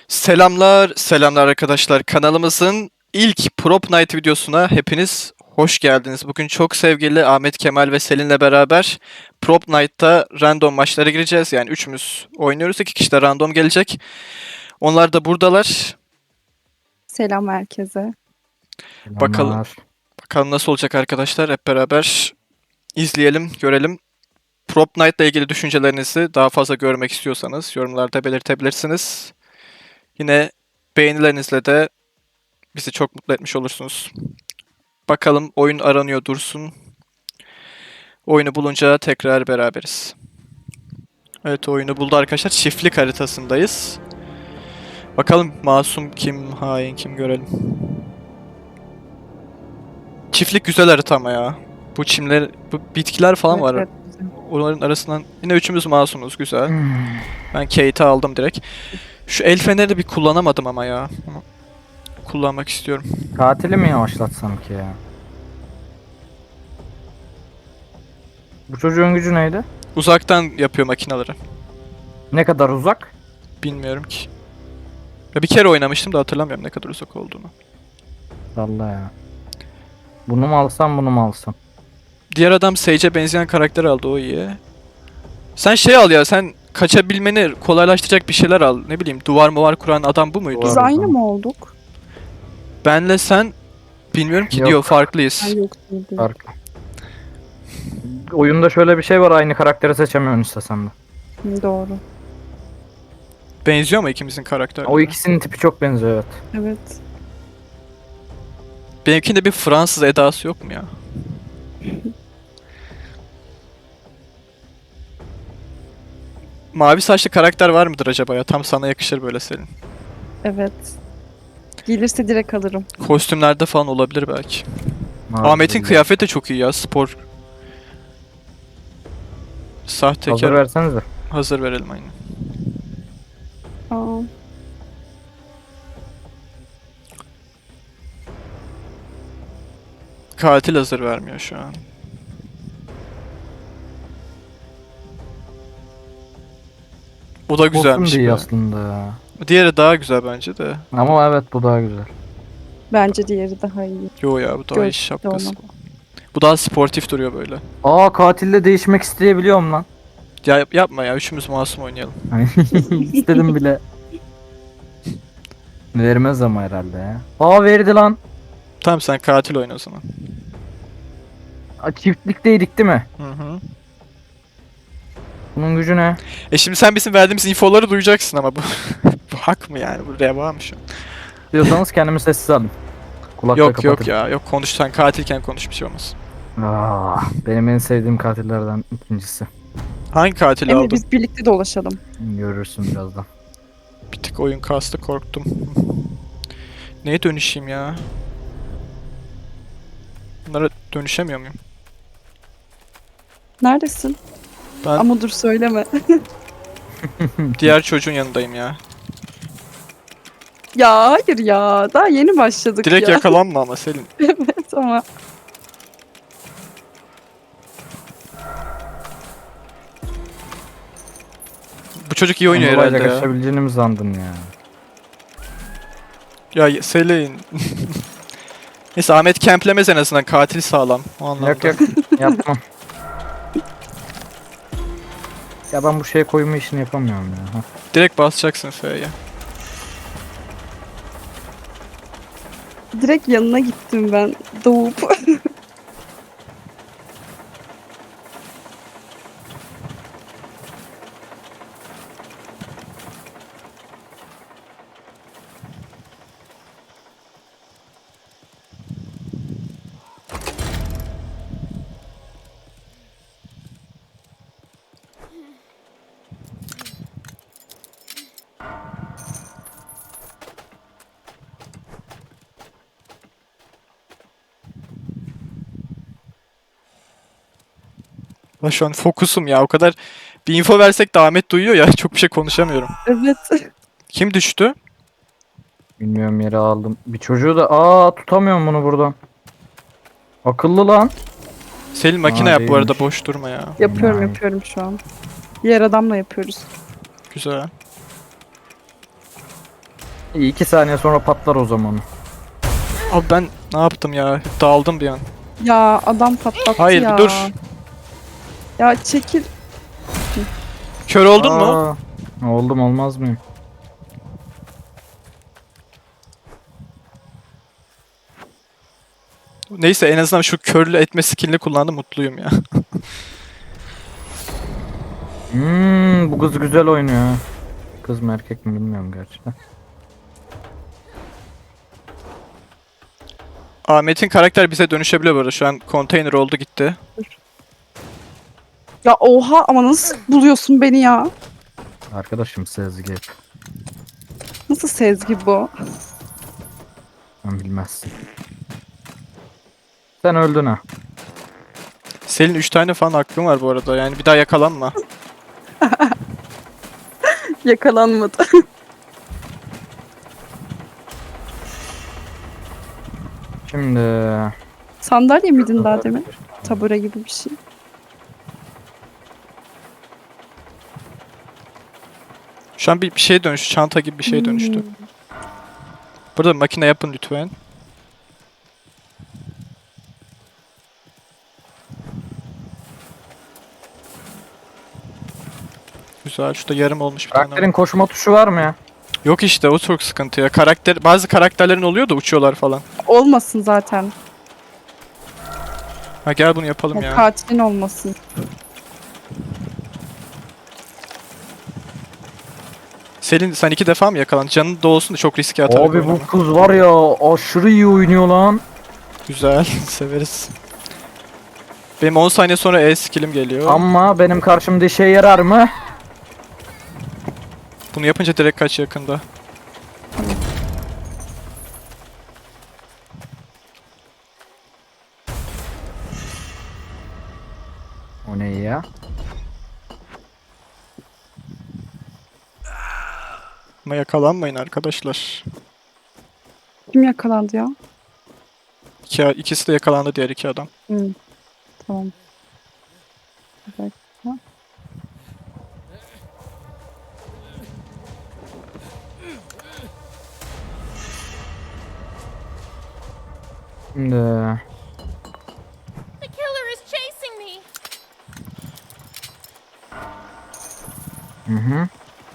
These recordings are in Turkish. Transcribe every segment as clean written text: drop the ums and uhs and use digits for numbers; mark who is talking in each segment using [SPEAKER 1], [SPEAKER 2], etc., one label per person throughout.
[SPEAKER 1] Selamlar, selamlar arkadaşlar. Kanalımızın ilk Prop Night videosuna hepiniz hoş geldiniz. Bugün çok sevgili Ahmet Kemal ve Selin'le beraber Prop Night'ta random maçlara gireceğiz. Yani üçümüz oynuyoruz. 2 kişi de random gelecek. Onlar da buradalar.
[SPEAKER 2] Selam herkese.
[SPEAKER 1] Bakalım,
[SPEAKER 3] Selamlar.
[SPEAKER 1] bakalım nasıl olacak arkadaşlar. Hep beraber izleyelim, görelim. Prop Night'la ilgili düşüncelerinizi daha fazla görmek istiyorsanız yorumlarda belirtebilirsiniz. Yine beğenilerinizle de bizi çok mutlu etmiş olursunuz. Bakalım oyun aranıyor dursun. Oyunu bulunca tekrar beraberiz. Evet oyunu buldu arkadaşlar. Çiftlik haritasındayız. Bakalım masum kim, hain kim görelim. Çiftlik güzel harita ama ya. Bu çimler, bu bitkiler falan
[SPEAKER 2] Evet,
[SPEAKER 1] var.
[SPEAKER 2] evet, güzel.
[SPEAKER 1] Onların arasından yine üçümüz masumuz güzel.
[SPEAKER 3] Hmm.
[SPEAKER 1] Ben Kate'i aldım direkt. Şu el feneri bir kullanamadım ama ya. Ama kullanmak istiyorum.
[SPEAKER 3] Katili mi yavaşlatsam ki ya? Bu çocuğun gücü neydi?
[SPEAKER 1] Uzaktan yapıyor makinaları.
[SPEAKER 3] Ne kadar uzak?
[SPEAKER 1] Bilmiyorum ki. Ya bir kere oynamıştım da hatırlamıyorum ne kadar uzak olduğunu.
[SPEAKER 3] Valla ya. Bunu mu alsam bunu mu alsam?
[SPEAKER 1] Diğer adam Sage'e benzeyen karakter aldı, o iyi. Sen şey al ya, sen kaçabilmeni kolaylaştıracak bir şeyler al. Ne bileyim, duvar muvar kuran adam bu muydu?
[SPEAKER 2] Biz
[SPEAKER 3] Doğru.
[SPEAKER 2] aynı mı olduk?
[SPEAKER 1] Benle sen bilmiyorum ki,
[SPEAKER 3] Yok.
[SPEAKER 1] diyor farklıyız.
[SPEAKER 2] Ay yok değil.
[SPEAKER 3] Farklı. Oyunda şöyle bir şey var, aynı karakteri seçemiyorsun istesen de.
[SPEAKER 2] Doğru.
[SPEAKER 1] Benziyor mu ikimizin karakterleri?
[SPEAKER 3] O ikisinin tipi çok benziyor, evet.
[SPEAKER 2] Evet.
[SPEAKER 1] Benimkinde bir Fransız edası yok mu ya? Mavi saçlı karakter var mıdır acaba ya? Tam sana yakışır böyle Selin.
[SPEAKER 2] Evet. Gelirse direkt alırım.
[SPEAKER 1] Kostümlerde falan olabilir belki.
[SPEAKER 3] Mavi
[SPEAKER 1] Ahmet'in
[SPEAKER 3] değil.
[SPEAKER 1] kıyafeti de çok iyi ya, spor. Sahtekar.
[SPEAKER 3] Hazır versenize.
[SPEAKER 1] Hazır verelim aynen.
[SPEAKER 2] Aa,
[SPEAKER 1] Katil hazır vermiyor şu an. O da güzelmiş.
[SPEAKER 3] Olsun diye
[SPEAKER 1] be.
[SPEAKER 3] aslında ya.
[SPEAKER 1] Diğeri daha güzel bence de.
[SPEAKER 3] Ama evet, bu daha güzel.
[SPEAKER 2] bence diğeri daha iyi.
[SPEAKER 1] Yo ya, bu daha iyi
[SPEAKER 2] Gör-
[SPEAKER 1] şapkası.
[SPEAKER 2] tamam.
[SPEAKER 1] Bu daha sportif duruyor böyle.
[SPEAKER 3] Aa, katille değişmek isteyebiliyorum lan.
[SPEAKER 1] Ya yapma ya, üçümüz masum oynayalım.
[SPEAKER 3] İstedim bile. Vermez ama herhalde ya. Aa, verdi lan.
[SPEAKER 1] Tamam, sen katil oyna o zaman.
[SPEAKER 3] Aa, çiftlikteydik değil mi?
[SPEAKER 1] Hı hı.
[SPEAKER 3] Bunun gücü ne?
[SPEAKER 1] Şimdi sen bizim verdiğimiz infoları duyacaksın ama bu bu hak mı yani? Bu reva mı şu an?
[SPEAKER 3] Diyorsanız kendimi sessiz alın. Kulaklığı
[SPEAKER 1] Yok yok
[SPEAKER 3] kapatın.
[SPEAKER 1] ya, yok, konuş, sen katilken konuş, bir şey olmaz.
[SPEAKER 3] Benim en sevdiğim katillerden ikincisi.
[SPEAKER 1] Hangi katili
[SPEAKER 2] Emre
[SPEAKER 1] aldın?
[SPEAKER 2] biz birlikte dolaşalım.
[SPEAKER 3] Görürsün birazdan.
[SPEAKER 1] Bir tık oyun kastı, korktum. Neye dönüşeyim ya? Bunlara dönüşemiyor muyum?
[SPEAKER 2] Neredesin?
[SPEAKER 1] Ben
[SPEAKER 2] Ama dur söyleme.
[SPEAKER 1] diğer çocuğun yanındayım ya.
[SPEAKER 2] Ya hayır ya. Daha yeni başladık
[SPEAKER 1] Direkt
[SPEAKER 2] ya.
[SPEAKER 1] yakalanma ama Selin.
[SPEAKER 2] Evet ama.
[SPEAKER 1] Bu çocuk iyi oynuyor
[SPEAKER 3] Kolayca
[SPEAKER 1] herhalde ya.
[SPEAKER 3] kaçabileceğini mi sandın ya?
[SPEAKER 1] Ya Selin. Neyse, Ahmet kemplemez en azından, katil sağlam. O anlamda.
[SPEAKER 3] Yok yok, yapmam. Ya ben bu şeye koyma işini yapamıyorum ya. Hah.
[SPEAKER 1] Direkt basacaksın F'ye.
[SPEAKER 2] Direkt yanına gittim ben. Doğup.
[SPEAKER 1] Ben şu an fokusum ya, o kadar bir info versek de Ahmet duyuyor ya, çok bir şey konuşamıyorum.
[SPEAKER 2] Evet.
[SPEAKER 1] Kim düştü?
[SPEAKER 3] Bilmiyorum, yere aldım. Bir çocuğu da tutamıyorum bunu buradan. Akıllı lan.
[SPEAKER 1] Selin makine
[SPEAKER 3] Aa,
[SPEAKER 1] yap bu arada,
[SPEAKER 3] değilmiş.
[SPEAKER 1] boş durma ya.
[SPEAKER 2] Yapıyorum
[SPEAKER 3] Vay.
[SPEAKER 2] yapıyorum şu an. Diğer adamla yapıyoruz.
[SPEAKER 1] Güzel.
[SPEAKER 3] İyi, 2 saniye sonra patlar o zaman.
[SPEAKER 1] Abi ben ne yaptım ya? Dağıldım bir an.
[SPEAKER 2] Ya adam patlattı
[SPEAKER 1] Hayır,
[SPEAKER 2] ya.
[SPEAKER 1] bir dur.
[SPEAKER 2] Ya çekil.
[SPEAKER 1] Kör oldun mu?
[SPEAKER 3] Oldum, olmaz mıyım?
[SPEAKER 1] Neyse en azından şu körlü etme skillini kullandım, mutluyum ya.
[SPEAKER 3] Bu kız güzel oynuyor ha. Kız mı erkek mi bilmiyorum gerçi de.
[SPEAKER 1] Ahmet'in karakter bize dönüşebiliyor bu arada. Şu an konteyner oldu gitti.
[SPEAKER 2] Ya oha ama nasıl buluyorsun beni ya?
[SPEAKER 3] Arkadaşım Sezgi.
[SPEAKER 2] Nasıl Sezgi bu?
[SPEAKER 3] Sen bilmezsin. Sen öldün ha.
[SPEAKER 1] Selin 3 tane falan aklın var bu arada. Yani bir daha yakalanma.
[SPEAKER 2] Yakalanmadı.
[SPEAKER 3] Şimdi
[SPEAKER 2] Sandalye miydin daha demin? Tabure gibi bir şey.
[SPEAKER 1] Şu an bir şeye dönüştü. Çanta gibi bir şeye dönüştü.
[SPEAKER 2] Hmm.
[SPEAKER 1] Burada makine yapın lütfen. Güzel. Şurada yarım olmuş bir tane var.
[SPEAKER 3] karakterin koşma tuşu var mı ya?
[SPEAKER 1] Yok işte, o çok sıkıntı ya. Bazı karakterlerin oluyor da uçuyorlar falan.
[SPEAKER 2] Olmasın zaten.
[SPEAKER 1] Ha gel bunu yapalım
[SPEAKER 2] Ya
[SPEAKER 1] ya.
[SPEAKER 2] katilin olmasın.
[SPEAKER 1] Selin sen 2 defa mı yakalandın? Canın da olsun da çok riske atarak
[SPEAKER 3] Abi
[SPEAKER 1] oynama.
[SPEAKER 3] bu kız var ya, aşırı iyi oynuyor lan.
[SPEAKER 1] Güzel. Severiz. Benim 10 saniye sonra skill'im geliyor.
[SPEAKER 3] Ama benim karşımda işe yarar mı?
[SPEAKER 1] Bunu yapınca direkt kaç yakında.
[SPEAKER 3] O ne ya?
[SPEAKER 1] Ama yakalanmayın arkadaşlar.
[SPEAKER 2] Kim yakalandı ya?
[SPEAKER 1] İkisi de yakalandı, diğer 2 adam.
[SPEAKER 2] Hmm. Tamam. Bir dakika.
[SPEAKER 3] Şimdi
[SPEAKER 4] The killer is chasing me.
[SPEAKER 3] hı.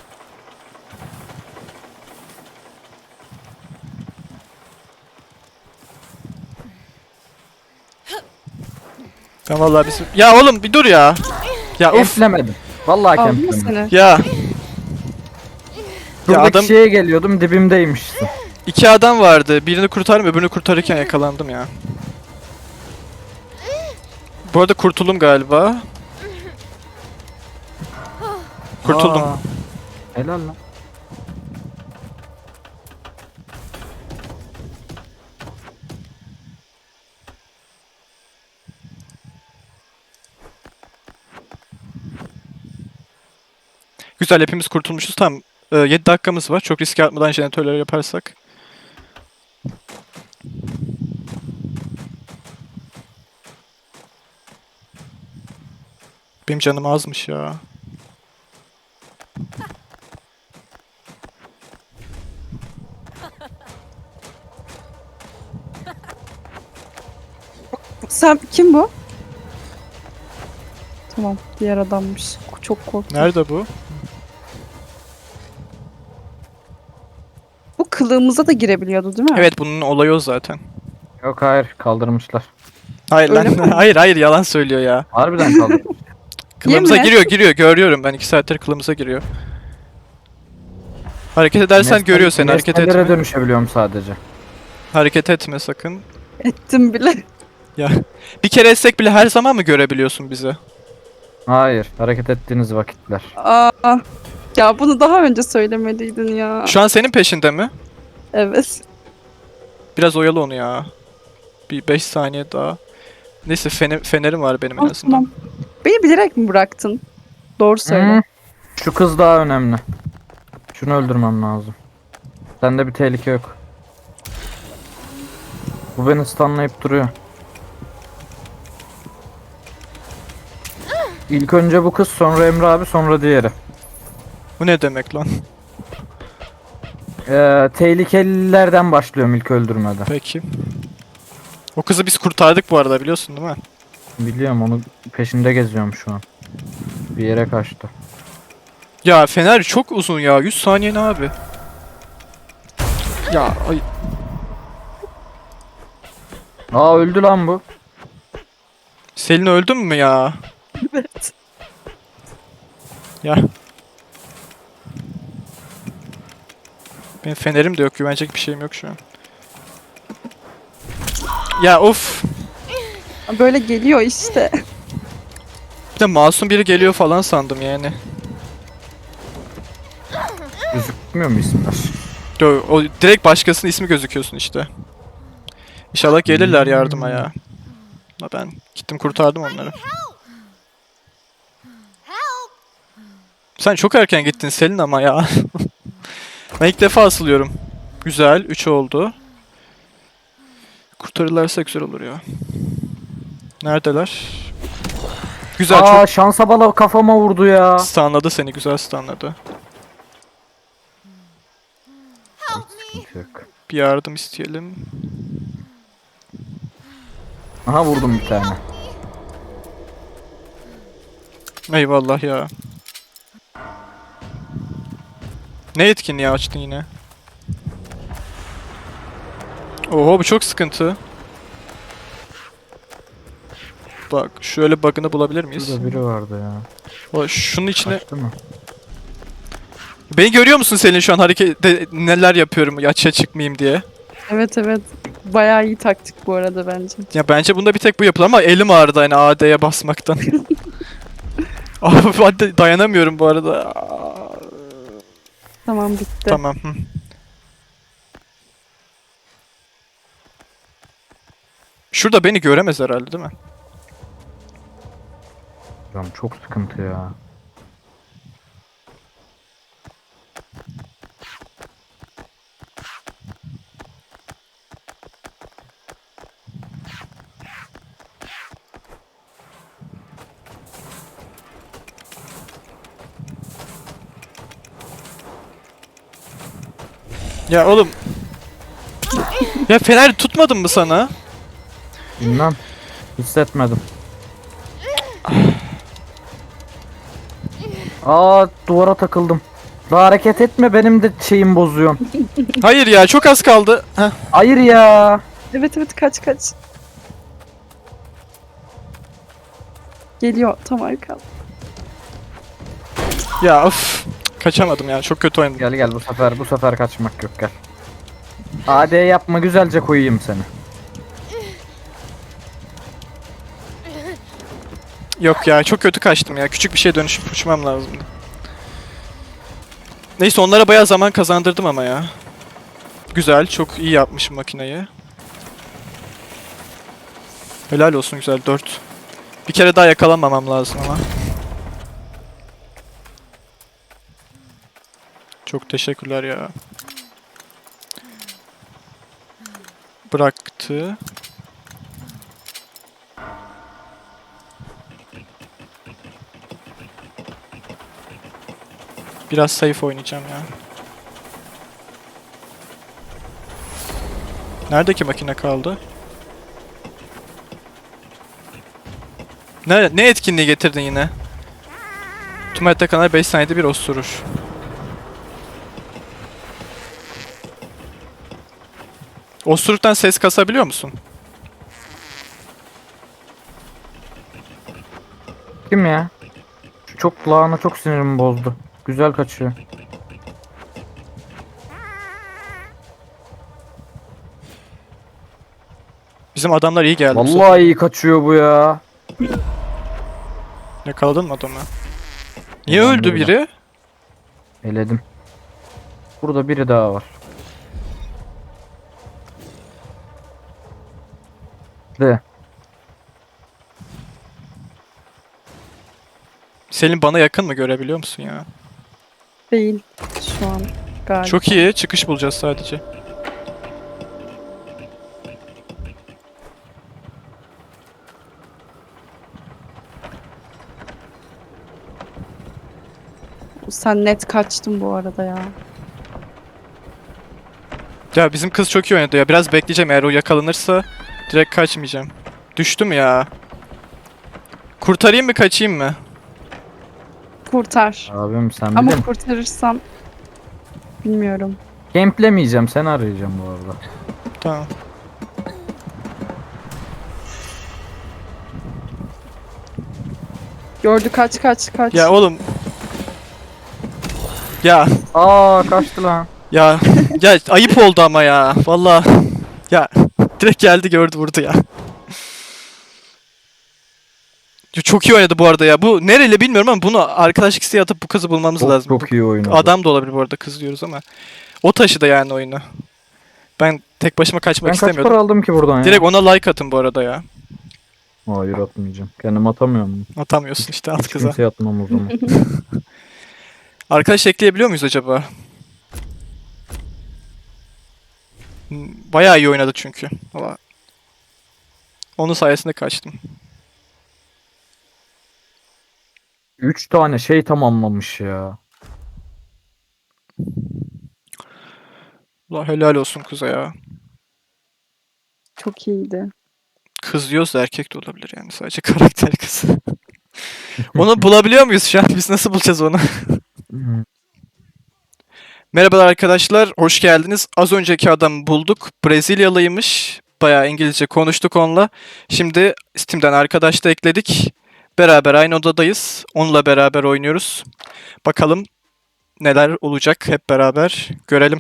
[SPEAKER 1] Ben vallahi bizim... Ya oğlum bir dur ya. Ya of.
[SPEAKER 3] Kemplemedim. Vallahi
[SPEAKER 2] Aldı mı
[SPEAKER 3] kemplemedim.
[SPEAKER 2] seni?
[SPEAKER 1] Ya.
[SPEAKER 3] Şuradaki
[SPEAKER 1] adam-
[SPEAKER 3] şeye geliyordum, dibimdeymişsin.
[SPEAKER 1] 2 adam vardı. Birini kurtardım, öbürünü kurtarırken yakalandım ya. Bu arada kurtuldum galiba. Kurtuldum.
[SPEAKER 3] Aa, helal lan.
[SPEAKER 1] Güzel, hepimiz kurtulmuşuz. Tamam. 7 dakikamız var. Çok riske atmadan jeneratörleri yaparsak. Benim canım azmış ya.
[SPEAKER 2] Sen kim bu? Tamam, diğer adammış. Çok korktum.
[SPEAKER 1] Nerede bu?
[SPEAKER 2] Bu kılığımıza da girebiliyordu değil mi?
[SPEAKER 1] Evet, bunun olayı o zaten.
[SPEAKER 3] Yok, hayır, kaldırmışlar.
[SPEAKER 1] Hayır
[SPEAKER 2] Öyle
[SPEAKER 1] lan.
[SPEAKER 2] mi?
[SPEAKER 1] Hayır yalan söylüyor ya.
[SPEAKER 3] Harbiden kaldırmış.
[SPEAKER 1] Kılımıza
[SPEAKER 2] Yemin et.
[SPEAKER 1] giriyor. Görüyorum ben, 2 saattir kılımıza giriyor. Hareket edersen görüyor seni. Hareket
[SPEAKER 3] Nesnelere
[SPEAKER 1] etme.
[SPEAKER 3] dönüşebiliyorum sadece.
[SPEAKER 1] Hareket etme sakın.
[SPEAKER 2] Ettim bile.
[SPEAKER 1] Ya bir kere etsek bile her zaman mı görebiliyorsun bizi?
[SPEAKER 3] Hayır, hareket ettiğiniz vakitler.
[SPEAKER 2] Aa, ya bunu daha önce söylemeliydin ya.
[SPEAKER 1] Şu an senin peşinde mi?
[SPEAKER 2] Evet.
[SPEAKER 1] Biraz oyalı onu ya. Bir 5 saniye daha. Neyse fenerim var benim en
[SPEAKER 2] Ah,
[SPEAKER 1] azından.
[SPEAKER 2] tamam. Beni bilerek mi bıraktın? Doğru söyle.
[SPEAKER 3] Hı. Şu kız daha önemli. Şunu öldürmem lazım. Sende bir tehlike yok. Bu beni stunlayıp duruyor. İlk önce bu kız, sonra Emre abi, sonra diğeri.
[SPEAKER 1] Bu ne demek lan?
[SPEAKER 3] Tehlikelilerden başlıyorum ilk öldürmede.
[SPEAKER 1] Peki. O kızı biz kurtardık bu arada, biliyorsun değil mi?
[SPEAKER 3] Biliyorum, onu peşinde geziyorum şu an. Bir yere kaçtı.
[SPEAKER 1] Ya Fener çok uzun ya. 100 saniye ne abi? Ya ay.
[SPEAKER 3] Aa, öldü lan bu.
[SPEAKER 1] Selin öldün mü ya?
[SPEAKER 2] Evet.
[SPEAKER 1] Ya. Benim fenerim de yok. Güvenecek bir şeyim yok şu an. Ya of.
[SPEAKER 2] Böyle geliyor işte.
[SPEAKER 1] Bir de masum biri geliyor falan sandım yani.
[SPEAKER 3] Gözükmüyor mu isimler?
[SPEAKER 1] O direkt başkasının ismi gözüküyorsun işte. İnşallah gelirler yardıma ya. Ama ben gittim kurtardım onları. Sen çok erken gittin Selin ama ya. Ben ilk defa asılıyorum. Güzel. 3 oldu. Kurtarırlarsa güzel olur ya. Neredeler? Güzel,
[SPEAKER 3] Aa,
[SPEAKER 1] çok
[SPEAKER 3] şansa bala kafama vurdu ya.
[SPEAKER 1] stunladı seni. Güzel stunladı.
[SPEAKER 3] Sıkıntı yok.
[SPEAKER 1] Bir yardım isteyelim.
[SPEAKER 3] Aha, vurdum bir tane.
[SPEAKER 1] Eyvallah ya. Ne etkinliği açtın yine? Oho, bu çok sıkıntı. Bak şöyle bug'ını bulabilir miyiz?
[SPEAKER 3] Şurada biri vardı ya.
[SPEAKER 1] Şunun içine...
[SPEAKER 3] Kaçtı mı?
[SPEAKER 1] Beni görüyor musun Selin şu an harekette neler yapıyorum açığa çıkmayayım diye?
[SPEAKER 2] Evet evet. Bayağı iyi taktik bu arada bence.
[SPEAKER 1] Ya bence bunda bir tek bu yapılır ama elim ağrıdı hani AD'ye basmaktan. Abi hadi dayanamıyorum bu arada.
[SPEAKER 2] Tamam bitti.
[SPEAKER 1] Tamam. Hı. Şurada beni göremez herhalde değil mi?
[SPEAKER 3] Hocam çok sıkıntı ya.
[SPEAKER 1] Ya oğlum. Ya fener tutmadın mı sana?
[SPEAKER 3] Bilmem. Hissetmedim. Aa, duvara takıldım. Daha hareket etme, benim de şeyim bozuyorsun.
[SPEAKER 1] Hayır ya, çok az kaldı. Heh.
[SPEAKER 3] Hayır ya.
[SPEAKER 2] Evet evet kaç kaç. Geliyor tam arkam.
[SPEAKER 1] Ya of. Kaçamadım ya, çok kötü oynadım.
[SPEAKER 3] Gel gel, bu sefer kaçmak yok, gel. AD yapma, güzelce koyayım seni.
[SPEAKER 1] Yok ya, çok kötü kaçtım ya. Küçük bir şeye dönüşüp uçmam lazımdı. Neyse, onlara bayağı zaman kazandırdım ama ya. Güzel, çok iyi yapmışım makineyi. Helal olsun, güzel 4. Bir kere daha yakalanmamam lazım ama. Çok teşekkürler ya. Bıraktı. Biraz safe oynayacağım ya. Neredeki makine kaldı? Ne etkinliği getirdin yine? Tüm hayatta kalan 5 saniyede bir osurur. Osuruktan ses kasabiliyor musun?
[SPEAKER 3] Kim ya? Şu çok lağına çok sinirimi bozdu. Güzel kaçıyor.
[SPEAKER 1] Bizim adamlar iyi geldi. bu sefer.
[SPEAKER 3] Vallahi iyi kaçıyor bu ya.
[SPEAKER 1] Yakaladın mı adamı? Niye
[SPEAKER 3] Ben
[SPEAKER 1] öldü
[SPEAKER 3] de
[SPEAKER 1] biri?
[SPEAKER 3] Eledim. Burada biri daha var. De.
[SPEAKER 1] Selin bana yakın mı, görebiliyor musun ya?
[SPEAKER 2] Değil şu an galiba.
[SPEAKER 1] Çok iyi. Çıkış bulacağız sadece.
[SPEAKER 2] Sen net kaçtın bu arada ya.
[SPEAKER 1] Ya bizim kız çok iyi oynadı ya. Biraz bekleyeceğim, eğer o yakalanırsa direkt kaçmayacağım. Düştüm ya. Kurtarayım mı kaçayım mı?
[SPEAKER 2] Kurtar.
[SPEAKER 3] Abim sen
[SPEAKER 2] Ama
[SPEAKER 3] bilin.
[SPEAKER 2] kurtarırsam bilmiyorum.
[SPEAKER 3] Game'lemeyeceğim, seni arayacağım bu arada.
[SPEAKER 1] Tamam.
[SPEAKER 2] Gördü, kaç kaç kaç.
[SPEAKER 1] Ya oğlum. Ya
[SPEAKER 3] Aa kaçtı lan.
[SPEAKER 1] ya ya ayıp oldu ama ya. Vallahi ya direkt geldi gördü vurdu ya. Ya çok iyi oynadı bu arada ya. Bu nereli bilmiyorum ama bunu arkadaşlık isteği atıp bu kızı bulmamız
[SPEAKER 3] Çok,
[SPEAKER 1] lazım.
[SPEAKER 3] çok iyi oynadı.
[SPEAKER 1] Adam da olabilir bu arada, kız diyoruz ama. O taşıdı yani oyunu. Ben tek başıma kaçmak
[SPEAKER 3] Ben kaç para
[SPEAKER 1] istemiyordum.
[SPEAKER 3] aldım ki buradan ya?
[SPEAKER 1] Direkt ona like atın bu arada ya.
[SPEAKER 3] Hayır atmayacağım. Kendim atamıyorum.
[SPEAKER 1] Atamıyorsun işte, at
[SPEAKER 3] Hiç
[SPEAKER 1] kıza.
[SPEAKER 3] kimseye atmam o zaman.
[SPEAKER 1] Arkadaş ekleyebiliyor muyuz acaba? Bayağı iyi oynadı çünkü. Valla. Onun sayesinde kaçtım.
[SPEAKER 3] 3 tane şey tamamlamış ya.
[SPEAKER 1] Allah helal olsun kıza ya.
[SPEAKER 2] Çok iyiydi.
[SPEAKER 1] Kız diyoruz da erkek de olabilir yani, sadece karakter kız. Onu bulabiliyor muyuz şu an? Biz nasıl bulacağız onu? Merhabalar arkadaşlar, hoş geldiniz. Az önceki adamı bulduk. Brezilyalıymış. Bayağı İngilizce konuştuk onunla. Şimdi Steam'den arkadaş da ekledik. Beraber aynı odadayız. Onunla beraber oynuyoruz. Bakalım neler olacak, hep beraber görelim.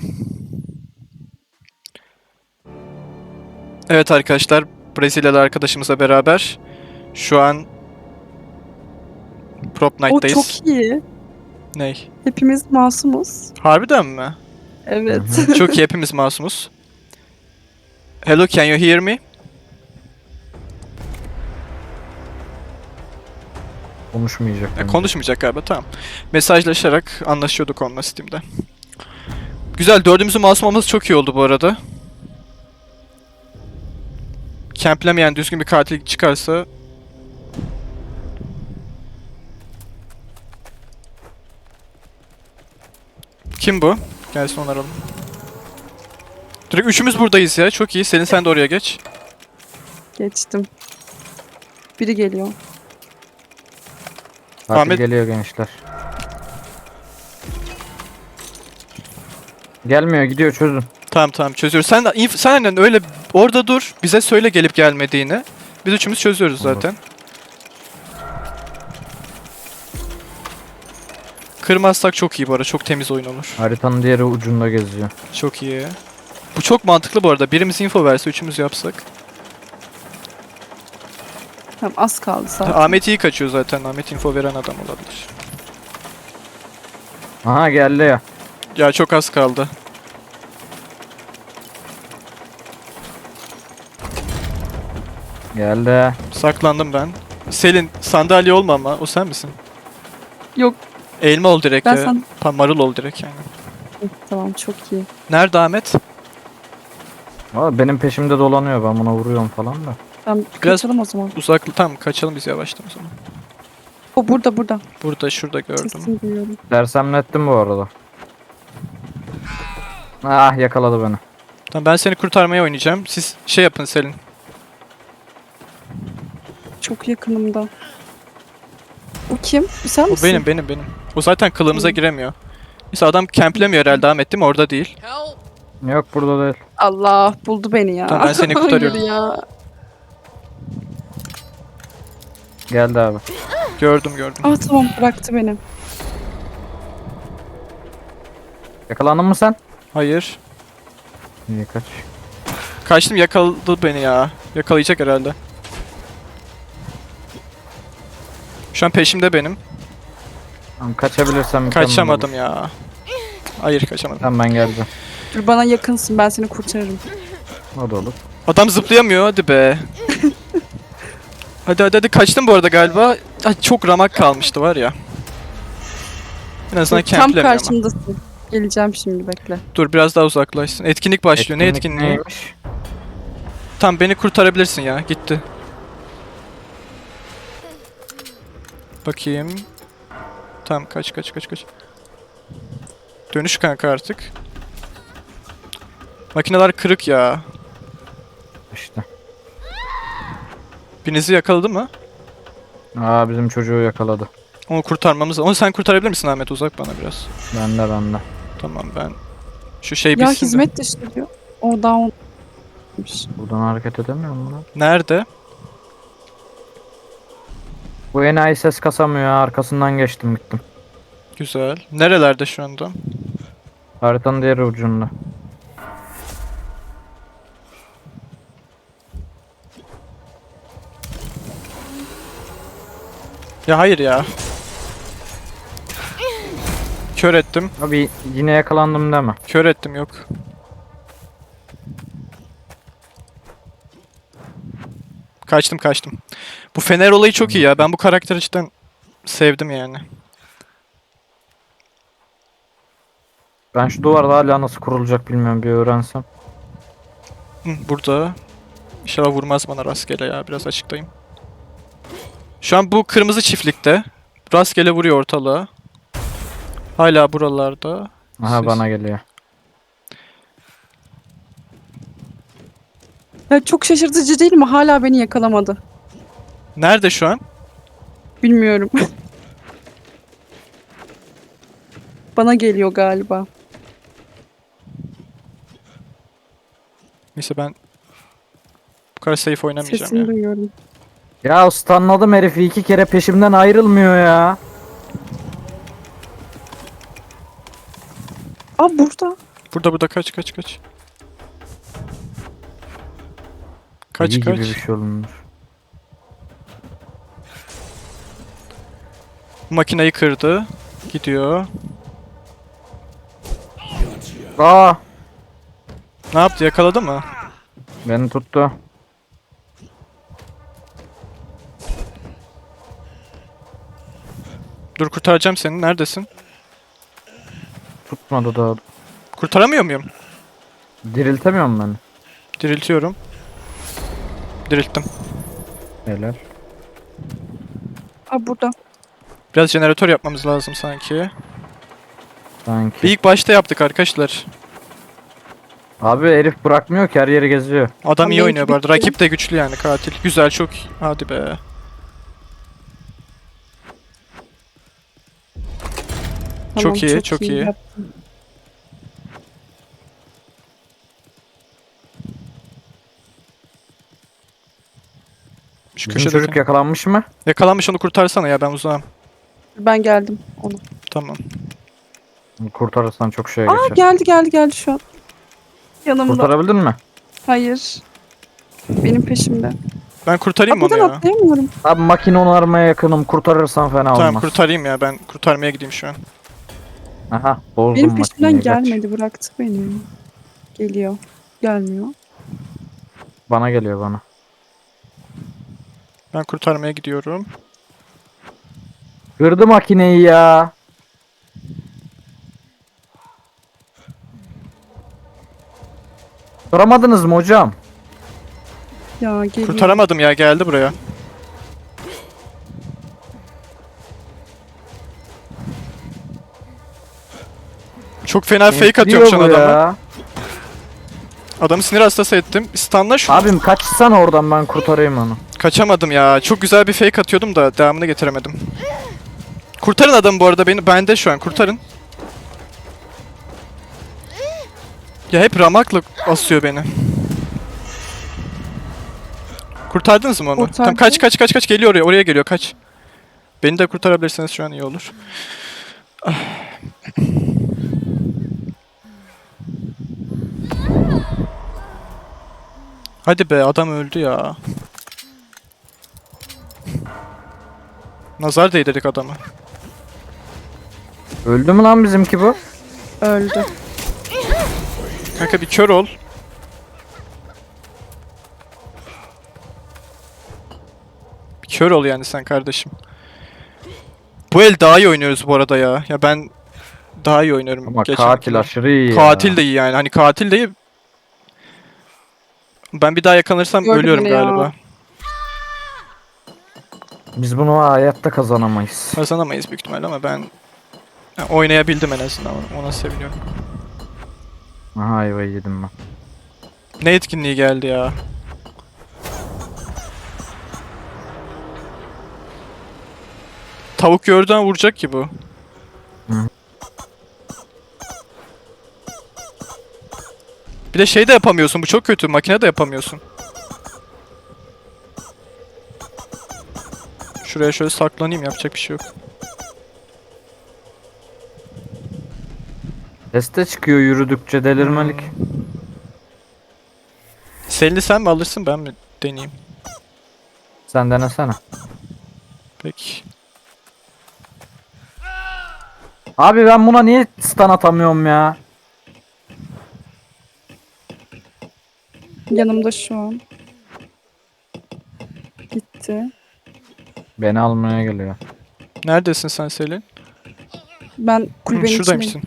[SPEAKER 1] Evet arkadaşlar, Brezilyalı arkadaşımızla beraber şu an Prop
[SPEAKER 2] O
[SPEAKER 1] Night'tayız.
[SPEAKER 2] çok iyi.
[SPEAKER 1] Ney?
[SPEAKER 2] Hepimiz masumuz.
[SPEAKER 1] Harbiden mi?
[SPEAKER 2] Evet.
[SPEAKER 1] Çok iyi, hepimiz masumuz. Hello, can you hear me?
[SPEAKER 3] Konuşmayacak. bence.
[SPEAKER 1] Konuşmayacak galiba, tamam. Mesajlaşarak anlaşıyorduk onunla Steam'de. Güzel, dördümüzün masum olması çok iyi oldu bu arada. Camplemeyen düzgün bir katil çıkarsa... Kim bu? Gelsin onu aralım. Direkt üçümüz buradayız ya, çok iyi. Selin sen de oraya geç.
[SPEAKER 2] Geçtim. Biri geliyor.
[SPEAKER 3] Katil
[SPEAKER 1] Ahmet-
[SPEAKER 3] geliyor gençler. Gelmiyor, gidiyor, çözün.
[SPEAKER 1] Tamam tamam, çözüyoruz. Sen de sen aynen öyle orada dur. Bize söyle gelip gelmediğini. Biz üçümüz çözüyoruz
[SPEAKER 3] Olur.
[SPEAKER 1] zaten. Kırmazsak çok iyi bu arada. Çok temiz oyun olur.
[SPEAKER 3] Haritanın diğer ucunda geziyor.
[SPEAKER 1] Çok iyi. Bu çok mantıklı bu arada. Birimiz info verse üçümüz yapsak.
[SPEAKER 2] Tamam, az kaldı zaten.
[SPEAKER 1] Ahmet iyi kaçıyor zaten. Ahmet info veren adam olabilir.
[SPEAKER 3] Aha geldi ya.
[SPEAKER 1] Ya çok az kaldı.
[SPEAKER 3] Geldi.
[SPEAKER 1] Saklandım ben. Selin sandalye olma ama. O sen misin?
[SPEAKER 2] Yok,
[SPEAKER 1] Elma ol direkt
[SPEAKER 2] ben
[SPEAKER 1] ya. Marul ol direkt yani.
[SPEAKER 2] tamam, çok iyi.
[SPEAKER 1] Nerede Ahmet?
[SPEAKER 3] Valla benim peşimde dolanıyor, ben buna vuruyorum falan da.
[SPEAKER 2] Tamam,
[SPEAKER 1] Biraz-
[SPEAKER 2] kaçalım o zaman.
[SPEAKER 1] Uzak. Tamam, kaçalım biz yavaştan o zaman.
[SPEAKER 2] O burada.
[SPEAKER 1] Burada, şurada gördüm.
[SPEAKER 2] Sesini duyuyorum.
[SPEAKER 3] Sersemlettim bu arada. Ah yakaladı beni.
[SPEAKER 1] Tamam, ben seni kurtarmaya oynayacağım. Siz şey yapın Selin.
[SPEAKER 2] Çok yakınımda. Bu kim? Bu sen
[SPEAKER 1] O
[SPEAKER 2] misin?
[SPEAKER 1] benim. O zaten kılığımıza giremiyor. Mesela adam camplemiyor herhalde, Ahmet değil mi? Orada değil.
[SPEAKER 3] Yok burada değil.
[SPEAKER 2] Allah, buldu beni ya.
[SPEAKER 1] Tamam, ben seni kurtarıyorum.
[SPEAKER 2] Hayır ya.
[SPEAKER 3] Geldi abi.
[SPEAKER 1] Gördüm.
[SPEAKER 2] Ah tamam, bıraktı beni.
[SPEAKER 3] Yakalandın mı sen?
[SPEAKER 1] Hayır.
[SPEAKER 3] İyi kaç.
[SPEAKER 1] Kaçtım, yakaladı beni ya. Yakalayacak herhalde. Şu an peşimde benim.
[SPEAKER 3] Tamam, kaçabilirsem mükemmel
[SPEAKER 1] Kaçamadım
[SPEAKER 3] olur.
[SPEAKER 1] ya. Hayır, kaçamadım.
[SPEAKER 3] Tamam ben geldim.
[SPEAKER 2] Dur, bana yakınsın, ben seni kurtarırım.
[SPEAKER 3] O da olur.
[SPEAKER 1] Adam zıplayamıyor, hadi be. Hadi kaçtım bu arada galiba. Ay, çok ramak kalmıştı var ya. En azından
[SPEAKER 2] Dur, tam
[SPEAKER 1] camplemiyor ama.
[SPEAKER 2] karşımdasın. Geleceğim şimdi, bekle.
[SPEAKER 1] Dur biraz daha uzaklaşsın. Etkinlik başlıyor. Ne etkinliği?
[SPEAKER 3] neymiş?
[SPEAKER 1] Tam beni kurtarabilirsin ya. Gitti. Bakayım. Tamam, kaç. Dönüş kanka artık. Makineler kırık ya.
[SPEAKER 3] İşte.
[SPEAKER 1] Birinizi yakaladı mı?
[SPEAKER 3] Aa bizim çocuğu yakaladı.
[SPEAKER 1] Onu kurtarmamız. Onu sen kurtarabilir misin Ahmet? Uzak bana biraz.
[SPEAKER 3] Bende.
[SPEAKER 1] Tamam ben. Şu şey
[SPEAKER 2] Ya
[SPEAKER 1] bitsin de.
[SPEAKER 2] hizmet dışı diyor. O down.
[SPEAKER 3] Buradan hareket edemiyor mu lan?
[SPEAKER 1] Nerede?
[SPEAKER 3] Bu enayi ses kasamıyor ya. Arkasından geçtim gittim.
[SPEAKER 1] Güzel. Nerelerde şu anda?
[SPEAKER 3] Haritanın diğer ucunda.
[SPEAKER 1] Ya hayır ya. Kör ettim.
[SPEAKER 3] Abi yine yakalandım deme.
[SPEAKER 1] Kör ettim yok. Kaçtım. Bu fener olayı çok iyi ya. Ben bu karakteri cidden sevdim yani.
[SPEAKER 3] Ben şu duvarda hala nasıl kurulacak bilmiyorum, bir öğrensem.
[SPEAKER 1] Hı, burada. İnşallah vurmaz bana rastgele ya. Biraz açıklayayım. Şu an bu kırmızı çiftlikte. Rastgele vuruyor ortalığa. Hala buralarda.
[SPEAKER 3] Aha
[SPEAKER 1] Siz-
[SPEAKER 3] bana geliyor.
[SPEAKER 2] Ya çok şaşırtıcı değil mi? Hala beni yakalamadı.
[SPEAKER 1] Nerede şu an?
[SPEAKER 2] Bilmiyorum. Bana geliyor galiba.
[SPEAKER 1] Neyse ben bu kadar safe oynamayacağım
[SPEAKER 2] Sesini
[SPEAKER 1] ya.
[SPEAKER 2] duyuyorum.
[SPEAKER 3] Ya stunladım herifi, 2 kere peşimden ayrılmıyor ya.
[SPEAKER 2] Aa burada.
[SPEAKER 1] Burada kaç. Kaç
[SPEAKER 3] İyi
[SPEAKER 1] kaç.
[SPEAKER 3] gibi bir şey olmuş.
[SPEAKER 1] Makineyi kırdı. Gidiyor.
[SPEAKER 3] Aa,
[SPEAKER 1] Ne yaptı? Yakaladı mı?
[SPEAKER 3] beni tuttu.
[SPEAKER 1] Dur kurtaracağım seni. Neredesin?
[SPEAKER 3] Tutmadı da.
[SPEAKER 1] Kurtaramıyor muyum?
[SPEAKER 3] Diriltemiyorum beni.
[SPEAKER 1] Diriltiyorum. Dirilttim.
[SPEAKER 3] Helal.
[SPEAKER 2] Aa burada.
[SPEAKER 1] Biraz jeneratör yapmamız lazım sanki.
[SPEAKER 3] Sanki.
[SPEAKER 1] Bir ilk başta yaptık arkadaşlar.
[SPEAKER 3] Abi herif bırakmıyor ki, her yeri geziyor.
[SPEAKER 1] Adam iyi
[SPEAKER 2] Benimki
[SPEAKER 1] oynuyor bu arada.
[SPEAKER 2] bitti.
[SPEAKER 1] Rakip de güçlü yani katil. Güzel çok iyi. Hadi be. Çok iyi, çok iyi.
[SPEAKER 2] yaptın.
[SPEAKER 1] Şu
[SPEAKER 3] Bizim çocuk
[SPEAKER 1] köşedeki.
[SPEAKER 3] yakalanmış mı?
[SPEAKER 1] Yakalanmış onu kurtarsana ya ben uzağım.
[SPEAKER 2] Ben geldim onu.
[SPEAKER 1] Tamam.
[SPEAKER 3] Kurtarırsan çok şeye
[SPEAKER 2] Aa
[SPEAKER 3] geçer.
[SPEAKER 2] geldi şu an. Yanımda.
[SPEAKER 3] Kurtarabildin mi?
[SPEAKER 2] Hayır. Benim peşimde.
[SPEAKER 1] Ben kurtarayım
[SPEAKER 2] Aa
[SPEAKER 1] mı onu
[SPEAKER 2] buradan
[SPEAKER 1] ya?
[SPEAKER 2] atlayamıyorum.
[SPEAKER 3] Abi makine onarmaya yakınım. Kurtarırsan fena
[SPEAKER 1] Tamam
[SPEAKER 3] olmaz.
[SPEAKER 1] kurtarayım ya. Ben kurtarmaya gideyim şu an.
[SPEAKER 3] Aha, bozdum
[SPEAKER 2] Benim peşimden
[SPEAKER 3] makineyi. Kaç.
[SPEAKER 2] gelmedi. Bıraktı beni. Geliyor. Gelmiyor.
[SPEAKER 3] Bana geliyor bana.
[SPEAKER 1] Ben kurtarmaya gidiyorum.
[SPEAKER 3] Kırdı makineyi ya. Kıramadınız mı hocam?
[SPEAKER 2] Ya geliyor.
[SPEAKER 1] Kurtaramadım ya geldi buraya. Çok fena fake atıyorum şu an
[SPEAKER 3] Diyor bu
[SPEAKER 1] adama.
[SPEAKER 3] ya.
[SPEAKER 1] Adamı sinir hastası ettim. Stunla şu.
[SPEAKER 3] Abim kaçsana oradan, ben kurtarayım onu.
[SPEAKER 1] Kaçamadım ya. Çok güzel bir fake atıyordum da devamını getiremedim. Kurtarın adamı bu arada beni. Bende şu an kurtarın. Ya hep ramakla asıyor beni. Kurtardınız mı onu?
[SPEAKER 2] Kurtardım.
[SPEAKER 1] Tamam kaç geliyor oraya geliyor kaç. Beni de kurtarabilirseniz şu an iyi olur. Ah. Hadi be adam öldü ya. Nazar değdirdik adamı.
[SPEAKER 3] Öldü mü lan bizimki bu?
[SPEAKER 2] Öldü.
[SPEAKER 1] Kanka bir kör ol. Bir kör ol yani sen kardeşim. Bu el daha iyi oynuyoruz bu arada ya. Ya ben daha iyi oynuyorum.
[SPEAKER 3] Ama
[SPEAKER 1] geçen
[SPEAKER 3] katil
[SPEAKER 1] elden.
[SPEAKER 3] aşırı iyi ya.
[SPEAKER 1] Katil de iyi yani. Hani katil de iyi. Ben bir daha yakalanırsam
[SPEAKER 2] Gördü
[SPEAKER 1] ölüyorum
[SPEAKER 2] beni ya.
[SPEAKER 1] galiba.
[SPEAKER 3] Biz bunu hayatta kazanamayız.
[SPEAKER 1] Kazanamayız büyük ihtimalle ama ben oynayabildim en azından. Ona seviniyorum.
[SPEAKER 3] Aha ayvayı yedim ben.
[SPEAKER 1] Ne etkinliği geldi ya? Tavuk gördüğün vuracak ki bu.
[SPEAKER 3] Hı.
[SPEAKER 1] Bir de şey de yapamıyorsun. Bu çok kötü. Makine de yapamıyorsun. Şuraya şöyle saklanayım. Yapacak bir şey yok.
[SPEAKER 3] Teste çıkıyor yürüdükçe delirmelik.
[SPEAKER 1] Selini sen mi alırsın ben mi deneyeyim?
[SPEAKER 3] Sen denesene.
[SPEAKER 1] Peki.
[SPEAKER 3] Abi ben buna niye stun atamıyorum ya?
[SPEAKER 2] Yanımda şu an. Gitti.
[SPEAKER 3] Beni almaya geliyor.
[SPEAKER 1] Neredesin sen Selin?
[SPEAKER 2] Ben
[SPEAKER 1] Hı,
[SPEAKER 2] kulübenin içindeyim.
[SPEAKER 1] şuradaymışsın.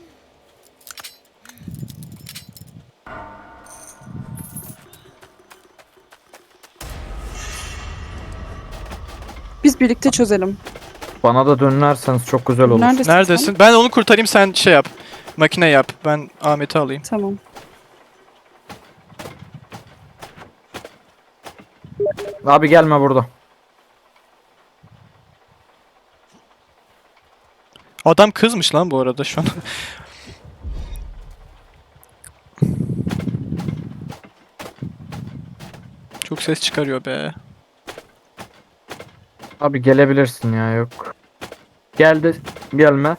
[SPEAKER 2] Biz birlikte çözelim.
[SPEAKER 3] Bana da dönerseniz çok güzel olur.
[SPEAKER 2] Neredesin?
[SPEAKER 1] Neredesin? Ben onu kurtarayım sen şey yap. Makine yap. Ben Ahmet'i alayım.
[SPEAKER 2] Sen? Tamam.
[SPEAKER 3] Abi gelme burada.
[SPEAKER 1] Adam kızmış lan bu arada şu an. Çok ses çıkarıyor be.
[SPEAKER 3] Abi gelebilirsin ya yok. Geldi gelme.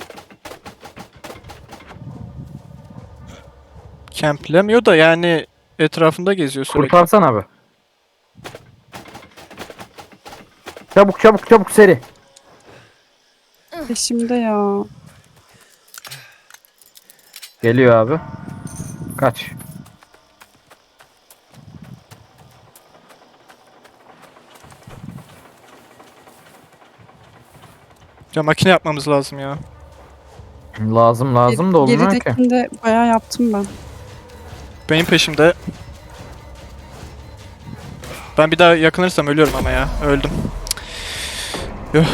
[SPEAKER 1] Camplemiyor da yani etrafında geziyor sürekli.
[SPEAKER 3] Kurtarsan abi. Çabuk çabuk çabuk seri.
[SPEAKER 2] Peşimde ya.
[SPEAKER 3] Geliyor abi. Kaç.
[SPEAKER 1] Ya makine yapmamız lazım ya.
[SPEAKER 3] Lazım lazım da olmuyor ki.
[SPEAKER 2] Geridekinde bayağı yaptım ben.
[SPEAKER 1] Benim peşimde. Ben bir daha yakınırsam ölüyorum ama ya. Öldüm. Yuh.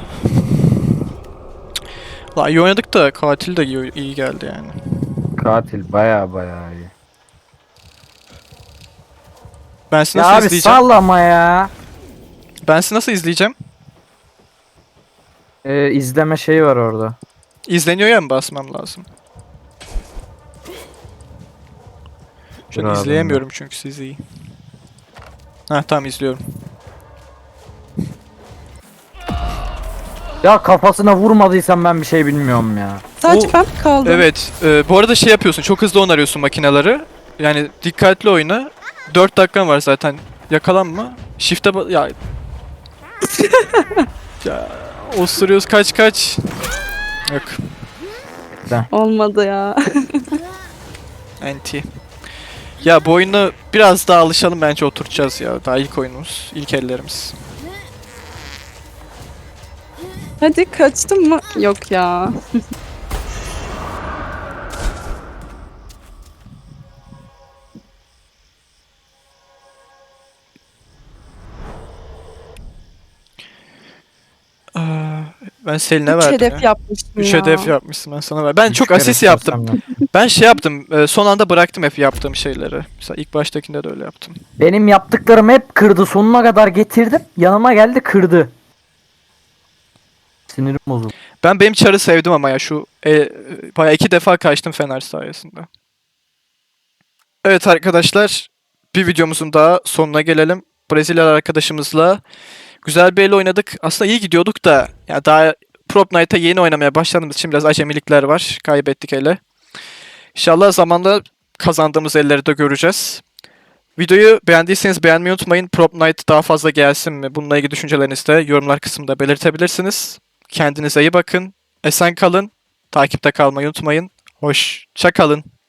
[SPEAKER 1] La iyi oynadık da katil de iyi geldi yani.
[SPEAKER 3] Katil baya baya iyi.
[SPEAKER 1] Ben sizi
[SPEAKER 3] Ya
[SPEAKER 1] nasıl
[SPEAKER 3] abi
[SPEAKER 1] izleyeceğim?
[SPEAKER 3] sallama ya.
[SPEAKER 1] Ben sizi nasıl izleyeceğim?
[SPEAKER 3] İzleme şeyi var orada.
[SPEAKER 1] İzleniyor ya mı basmam lazım? Şu an
[SPEAKER 3] Bravo.
[SPEAKER 1] izleyemiyorum çünkü sizi iyi. Heh tamam izliyorum.
[SPEAKER 3] Ya kafasına vurmadıysam ben bir şey bilmiyorum ya.
[SPEAKER 2] Sadece
[SPEAKER 1] O-
[SPEAKER 2] ben mi kaldım?
[SPEAKER 1] Evet, bu arada şey yapıyorsun, çok hızlı onarıyorsun makineleri. Yani dikkatli oyna. 4 dakikan var zaten. Yakalanma. Shift'e ya. Ya osuruyoruz kaç. Yok,
[SPEAKER 2] Olmadı ya.
[SPEAKER 1] anti. Ya bu oyuna biraz daha alışalım bence oturacağız ya. Daha ilk oyunumuz, ilk ellerimiz.
[SPEAKER 2] Hadi kaçtın mı? Yok ya.
[SPEAKER 1] Ben Selin'e
[SPEAKER 2] 3
[SPEAKER 1] verdim
[SPEAKER 2] hedef
[SPEAKER 1] ya.
[SPEAKER 2] yapmıştım
[SPEAKER 1] 3
[SPEAKER 2] ya.
[SPEAKER 1] hedef yapmışsın ben sana ver. Ben
[SPEAKER 3] Üç
[SPEAKER 1] çok
[SPEAKER 3] kere
[SPEAKER 1] asist yaptım.
[SPEAKER 3] istersem de.
[SPEAKER 1] Ben şey yaptım. Son anda bıraktım hep yaptığım şeyleri. Mesela ilk baştakinde de öyle yaptım.
[SPEAKER 3] Benim yaptıklarım hep kırdı. Sonuna kadar getirdim. Yanıma geldi kırdı. Sinirim bozuldu.
[SPEAKER 1] Benim çarı sevdim ama ya şu bayağı 2 defa kaçtım Fener sayesinde. Evet arkadaşlar, bir videomuzun daha sonuna gelelim. Brezilyalı arkadaşımızla güzel bir el oynadık. Aslında iyi gidiyorduk da ya daha Prop Night'a yeni oynamaya başladığımız için biraz acemilikler var. Kaybettik ele. İnşallah zamanla kazandığımız elleri de göreceğiz. Videoyu beğendiyseniz beğenmeyi unutmayın. Prop Night daha fazla gelsin mi? Bununla ilgili düşüncelerinizi de yorumlar kısmında belirtebilirsiniz. Kendinize iyi bakın. Esen kalın. Takipte kalmayı unutmayın. Hoşça kalın.